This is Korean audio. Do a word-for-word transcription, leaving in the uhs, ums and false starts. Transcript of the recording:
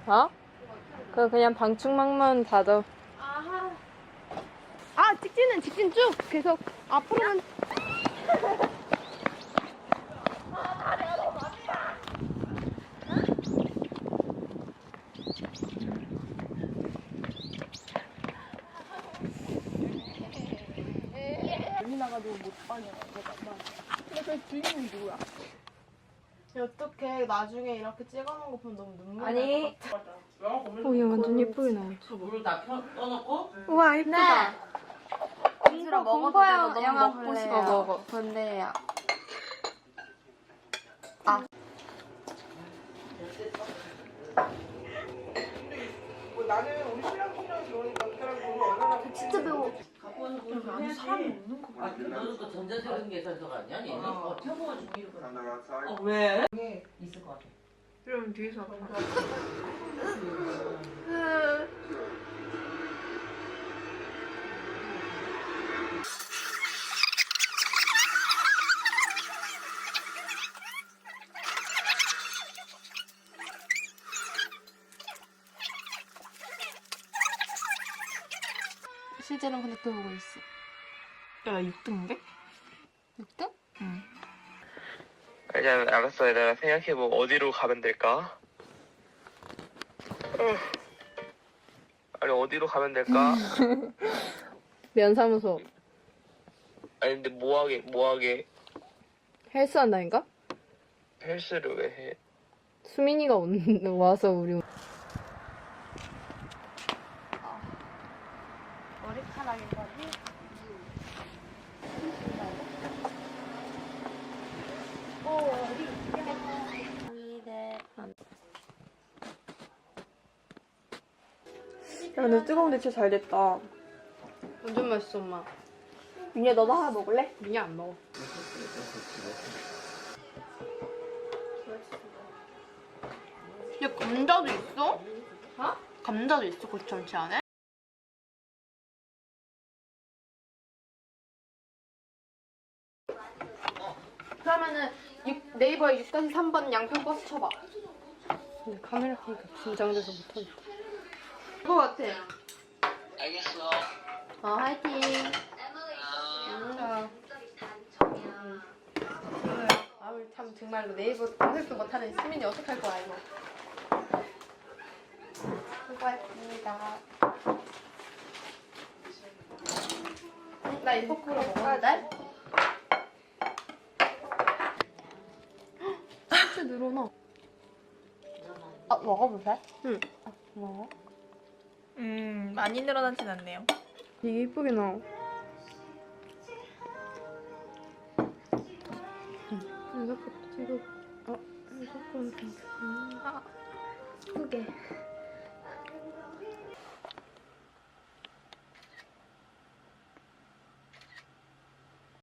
어? 그 그냥 방충망만 닫아. 아하. 아, 직진은 직진 쭉 계속 앞으로는. 여기 나가지고 못 빠냐. 근데 그 주인공이 누구야? 어떡해. 나중에 이렇게 찍어놓은 거 보면 너무 눈물 아니. 날 것 같아. 오, 얘 완전 예쁘게 나왔어. 물을 다 켜, 떠놓고? 우와, 예쁘다. 공포, 공포 영화 먹고 싶어. 먹어. 근데요. 나는 우리 신랑 신랑이 그러니까 그 사람 돈을 얼마나 진짜 배워. 갖고 와서 그걸 아니 사람이 없는 거 같아. 너는 또 전자세금 계산서가 아니야? 얘는 어, 태워가지고 이렇게. 어, 왜? 있을 것 같아. 그럼 뒤에서 하자. 실제로는 근데 또 보고 있어. 야, 육 등인데? 육 등? 응. 일단 알았어. 내가 생각해보고 어디로 가면 될까? 어. 아니 어디로 가면 될까? 면사무소. 아니 근데 뭐하게 뭐하게 헬스 한다니까? 헬스를 왜 해? 수민이가 온, 와서 우리. 머리카락인 거지? 야, 근데 뜨거운데 진짜 잘 됐다. 완전 맛있어, 엄마. 민야, 너도 하나 먹을래? 민이 안 먹어. 야, 감자도 있어? 어? 감자도 있어, 고추전치 안에? 그러면은 육, 네이버에 육 삼 번 양평 버스 쳐봐. 근데 카메라 켜니까 긴장돼서 못하겠다. 그거 같아. 알겠어. 어, 화이팅. 아. 음. 아우, 참 정말로 네이버 검색도 못하는 시민이 어떡할 거야, 이거. 수고했습니다. 나 이 포크로 먹었는데? 진짜 늘어나. 아, 먹어보세? 응. 아, 먹어? 음, 많이 늘어나진 않네요. 되게 예쁘게 나와. 이거, 이거, 어, 이거 좀, 아, 크게.